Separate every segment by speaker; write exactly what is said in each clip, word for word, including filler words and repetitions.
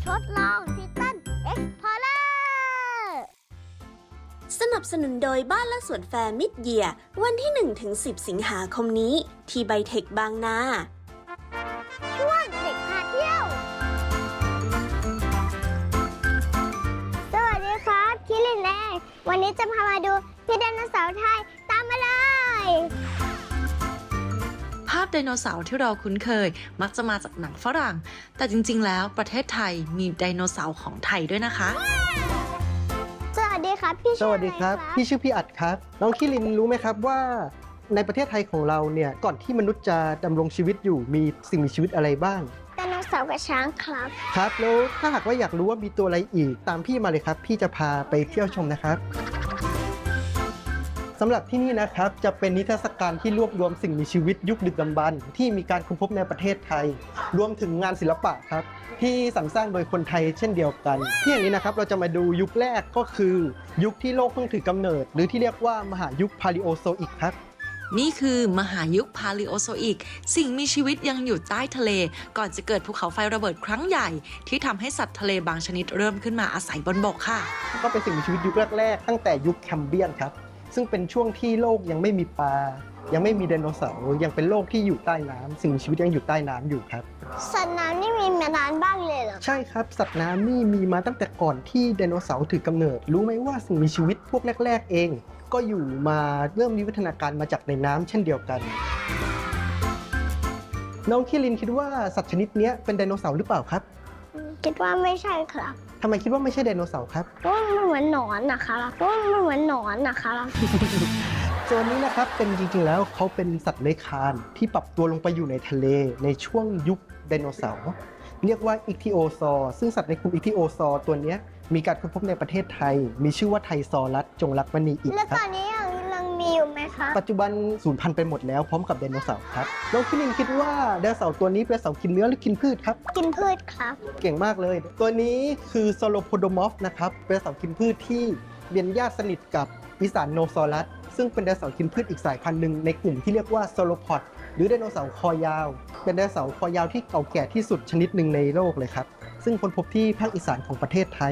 Speaker 1: ทดลองทิตันเอ็กพอร์เลอร์
Speaker 2: สนับสนุนโดยบ้านและสวนแฟร์มิดเยียร์วันที่ หนึ่งถึงสิบ สิงหาคมนี้ที่ไบเทคบางนา
Speaker 1: ช่วงเด็กพาเที่ยวสวัสดีครับคิรินเองวันนี้จะพามาดูพี่ไดโนเสาร์ไทยตามมาเลย
Speaker 3: ภาพไดโนเสาร์ที่เราคุ้นเคยมักจะมาจากหนังฝรั่งแต่จริงๆแล้วประเทศไทยมีไดโนเสาร์ของไทยด้วยนะคะ
Speaker 1: สวัสดีครับพี่
Speaker 4: สวัสดีครับพี่ชื่อพี่อัดครับน้องคิรินรู้ไหมครับว่าในประเทศไทยของเราเนี่ยก่อนที่มนุษย์จะดำรงชีวิตอยู่มีสิ่งมีชีวิตอะไรบ้าง
Speaker 1: ไดโนเสาร์กับช้างครับ
Speaker 4: ครับแล้วถ้าหากว่าอยากรู้ว่ามีตัวอะไรอีกตามพี่มาเลยครับพี่จะพาไปเที่ยวชมนะครับสำหรับที่นี่นะครับจะเป็นนิทรรศการที่รวบรวมสิ่งมีชีวิตยุคดึกดำบรรพ์ที่มีการค้นพบในประเทศไทยรวมถึงงานศิลปะครับที่สรรสร้างโดยคนไทยเช่นเดียวกันที่อย่างนี้นะครับเราจะมาดูยุคแรกก็คือยุคที่โลกเพิ่งถือกำเนิดหรือที่เรียกว่ามหายุคพาลิโอโซอิกครับ
Speaker 3: นี่คือมหายุคพาลิโอโซอิกสิ่งมีชีวิตยังอยู่ใต้ทะเลก่อนจะเกิดภูเขาไฟระเบิดครั้งใหญ่ที่ทำให้สัตว์ทะเลบางชนิดเริ่มขึ้นมาอาศัยบนบกค่ะ
Speaker 4: ก็เป็นสิ่งมีชีวิตยุคแรกๆตั้งแต่ยุคแคมเบียนครับซึ่งเป็นช่วงที่โลกยังไม่มีปลายังไม่มีไดโนเสาร์ยังเป็นโลกที่อยู่ใต้น้ำสิ่งมีชีวิตยังอยู่ใต้น้ำอยู่ครับ
Speaker 1: สัตว์น้ำนี่มีมานานบ้างเลยเหรอ
Speaker 4: ใช่ครับสัตว์น้ำนี่มีมาตั้งแต่ก่อนที่ไดโนเสาร์ถือกำเนิดรู้ไหมว่าสิ่งมีชีวิตพวกแรกๆเองก็อยู่มาเริ่มมีวิวัฒนาการมาจากในน้ำเช่นเดียวกันน้องคิรินคิดว่าสัตว์ชนิดนี้เป็นไดโนเสาร์หรือเปล่าครับ
Speaker 1: คิดว่าไม่ใช่ครับ
Speaker 4: ทำไมคิดว่าไม่ใช่ไดโนเสาร์ครับ
Speaker 1: เพราะมันเหมือนหนอนนะคะเพราะมันเหมือนหนอนนะคะ
Speaker 4: โซนนี้นะครับเป็นจริงๆแล้วเขาเป็นสัตว์เลื้อยคลานที่ปรับตัวลงไปอยู่ในทะเลในช่วงยุคไดโนเสาร์เรียกว่าอิคทิโอซอร์ซึ่งสัตว์ในกลุ่มอิคทิโอซอร์ตัวนี้มีการค้นพบในประเทศไทยมีชื่อว่าไทซอรัสจงรักมณีอิฐ
Speaker 1: แล้วตอนนี้ยังมีอยู่ไหมคะ
Speaker 4: ปัจจุบันสูญพันธุ์ไปหมดแล้วพร้อมกับไดโนเสาร์ครับน้องคิรินคิดว่าไดโนเสาร์ตัวนี้เป็นเสาร์กินเนื้อหรือกินพืชครับ
Speaker 1: กินพืชครับ
Speaker 4: เก่งมากเลยตัวนี้คือโซโลโพโดมอฟนะครับเป็นเสาร์กินพืชที่เป็นญาติสนิทกับอีสานโนซอรัสซึ่งเป็นไดโนเสาร์กินพืชอีกสายพันธุ์หนึ่งในกลุ่มที่เรียกว่าโซโลพอดหรือไดโนเสาร์คอยาวเป็นไดโนเสาร์คอยาวที่เก่าแก่ที่สุดชนิดหนึ่งในโลกเลยครับซึ่งค้นพบที่ภาคอีสานของประเทศไทย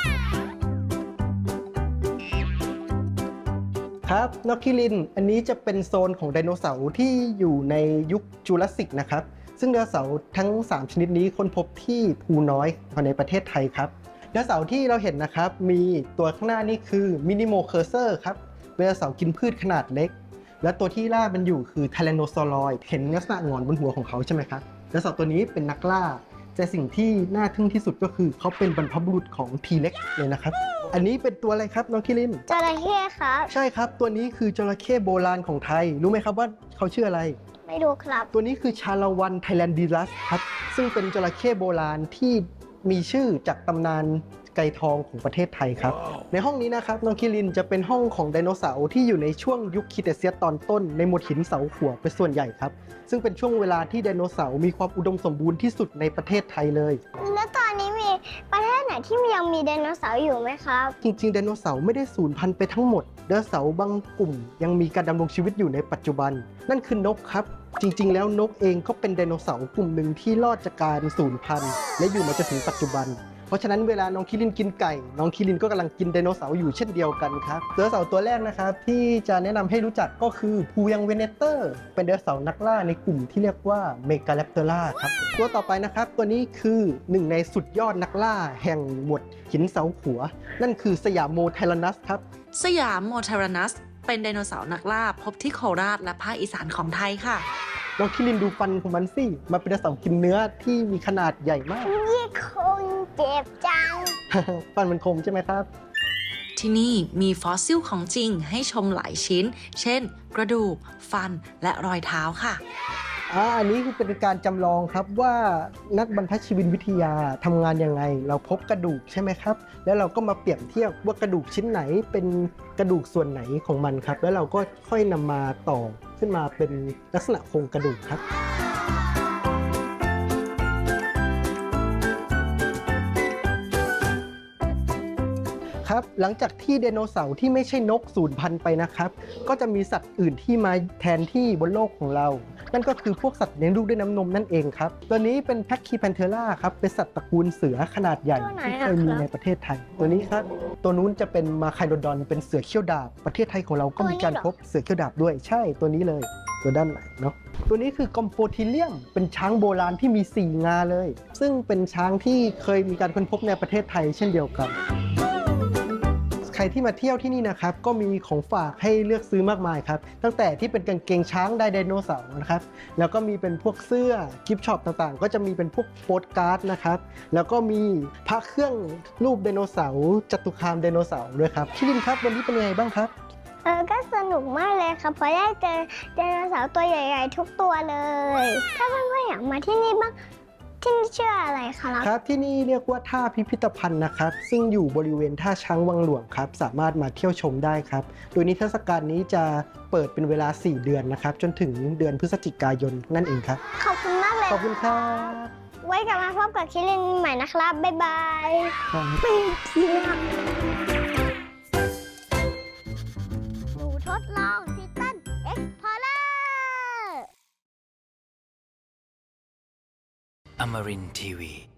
Speaker 4: ครับน้องคิรินอันนี้จะเป็นโซนของไดโนเสาร์ที่อยู่ในยุคจูราสสิกนะครับซึ่งไดโนเสาร์ทั้งสามชนิดนี้ค้นพบที่ภูน้อยในประเทศไทยครับไดโนเสาร์ที่เราเห็นนะครับมีตัวข้างหน้านี่คือมินิโมเคอร์เซอร์ครับเป็นไดโนเสาร์กินพืชขนาดเล็กและตัวที่ล่ามันอยู่คือไทแรนโนซอรอยด์เห็นลักษณะหงอนบนหัวของเขาใช่ไหมครับไดโนเสาร์ตัวนี้เป็นนักล่าแต่สิ่งที่น่าทึ่งที่สุดก็คือเขาเป็นบรรพบุรุษของทีเล็กเลยนะครับอันนี้เป็นตัวอะไรครับน้องคิริน
Speaker 1: จระเข้ครับ
Speaker 4: ใช่ครับตัวนี้คือจระเข้โบราณของไทยรู้ไหมครับว่าเขาชื่ออะไร
Speaker 1: ไม่รู้ครับ
Speaker 4: ตัวนี้คือชาละวันไทแลนดิลัสครับซึ่งเป็นจระเข้โบราณที่มีชื่อจากตำนานไก่ทองของประเทศไทยครับ wow. ในห้องนี้นะครับน้องคิรินจะเป็นห้องของไดโนเสาร์ที่อยู่ในช่วงยุคครีเทเซียสตอนต้นในหมวดหินเสาขัวเป็นส่วนใหญ่ครับซึ่งเป็นช่วงเวลาที่ไดโนเสาร์มีความอุดมสมบูรณ์ที่สุดในประเทศไทยเลย
Speaker 1: แล้วตอนนี้มีประเทศไหนที่ยังมีไดโนเสาร์อยู่ไหมครับ
Speaker 4: จริงๆไดโนเสาร์ไม่ได้สูญพันธุ์ไปทั้งหมดไดโนเสาร์บางกลุ่มยังมีการดำรงชีวิตอยู่ในปัจจุบันนั่นคือนกครับจริงๆแล้วนกเองก็เป็นไดโนเสาร์กลุ่มหนึ่งที่รอดจากการสูญพันธุ์และอยู่มาจนถึงปัจจุบันเพราะฉะนั้นเวลาน้องคิรินกินไก่น้องคิรินก็กำลังกินไดโนเสาร์อยู่เช่นเดียวกันครับไดโนเสาร์ตัวแรกนะครับที่จะแนะนำให้รู้จักก็คือพูยังเวเนเตอร์เป็นไดโนเสาร์นักล่าในกลุ่มที่เรียกว่าเมกาแรปเตอร่าครับตัวต่อไปนะครับตัวนี้คือหนึ่งในสุดยอดนักล่าแห่งหมวดหินเสาขัวนั่นคือสยามโมไทรนัสครับ
Speaker 3: สยามโมไทรนัสเป็นไดโนเสาร์นักล่าพบที่โคราชและภาคอีสานของไทยค่ะ
Speaker 4: น้องคิรินดูฟันของมันสิมันเป็นไดโนเสาร์กินเนื้อที่มีขนาดใหญ่มาก
Speaker 1: ยี่คงเจ็บจัง
Speaker 4: ฟันมันคมใช่ไหมครับ
Speaker 3: ที่นี่มีฟอสซิลของจริงให้ชมหลายชิ้นเช่นกระดูกฟันและรอยเท้าค่ะ
Speaker 4: อ่าอันนี้คือเป็นการจำลองครับว่านักบรรพชีววิทยาทำงานยังไงเราพบกระดูกใช่ไหมครับแล้วเราก็มาเปรียบเทียบว่ากระดูกชิ้นไหนเป็นกระดูกส่วนไหนของมันครับแล้วเราก็ค่อยนำมาต่อขึ้นมาเป็นลักษณะโครงกระดูกครับครับหลังจากที่ไดโนเสาร์ที่ไม่ใช่นกสูญพันธุ์ไปนะครับก็จะมีสัตว์อื่นที่มาแทนที่บนโลกของเรานั่นก็คือพวกสัตว์เลี้ยงลูกด้วยน้ำนมนั่นเองครับตัวนี้เป็นแพคคีแพนเทอร่าครับเป็นสัตว์ตระกูลเสือขนาดใหญ่
Speaker 1: ตัวไหน
Speaker 4: ที่
Speaker 1: อะ
Speaker 4: เคยมี
Speaker 1: ครับ
Speaker 4: ในประเทศไทย ตัวนี้ครับตัวนู้นจะเป็นมาไคโดดอนเป็นเสือเขี้ยวดาบประเทศไทยของเราก็มีการพบเสือเขี้ยวดาบด้วยใช่ตัวนี้เลยตัวด้านไหนเนาะตัวนี้คือกอมโปทิเลียมเป็นช้างโบราณที่มีสี่งาเลย ซึ่งเป็นช้างที่เคยมีการค้นพบในประเทศไทยเช่นเดียวกันใครที่มาเที่ยวที่นี่นะครับก็มีของฝากให้เลือกซื้อมากมายครับตั้งแต่ที่เป็นกางเกงช้างไดโนเสาร์นะครับแล้วก็มีเป็นพวกเสื้อกิฟต์ช็อปต่างๆก็จะมีเป็นพวกโปสการ์ดนะครับแล้วก็มีพระเครื่องรูปไดโนเสาร์จตุคามไดโนเสาร์ด้วยครับพี่ลินครับวันนี้เป็นยังไงบ้างครับ
Speaker 1: เออก็สนุกมากเลยครับเพราะได้เจอไดโนเสาร์ตัวใหญ่ๆทุกตัวเลย ถ้าเพื่อนๆอยากมาที่นี่บ้างที่นี่ชื่ออะไรครับ
Speaker 4: ครับที่นี่เรียกว่าท่าพิพิธภัณฑ์นะครับซึ่งอยู่บริเวณท่าช้างวังหลวงครับสามารถมาเที่ยวชมได้ครับโดยนิทรรศการนี้จะเปิดเป็นเวลาสี่เดือนนะครับจนถึงเดือนพฤศจิกายนนั่นเองครับ
Speaker 1: ขอบคุณมากเลย
Speaker 4: ขอบคุณครับ
Speaker 1: ไว้กลับมาพบกับคิรินใหม่นะครับ บ๊ายบาย
Speaker 4: ครับ
Speaker 1: ปีที่หน้าหนูทดลองทิตันเอ็กซ์พอร์เลอร์
Speaker 5: Amarin Tiwi.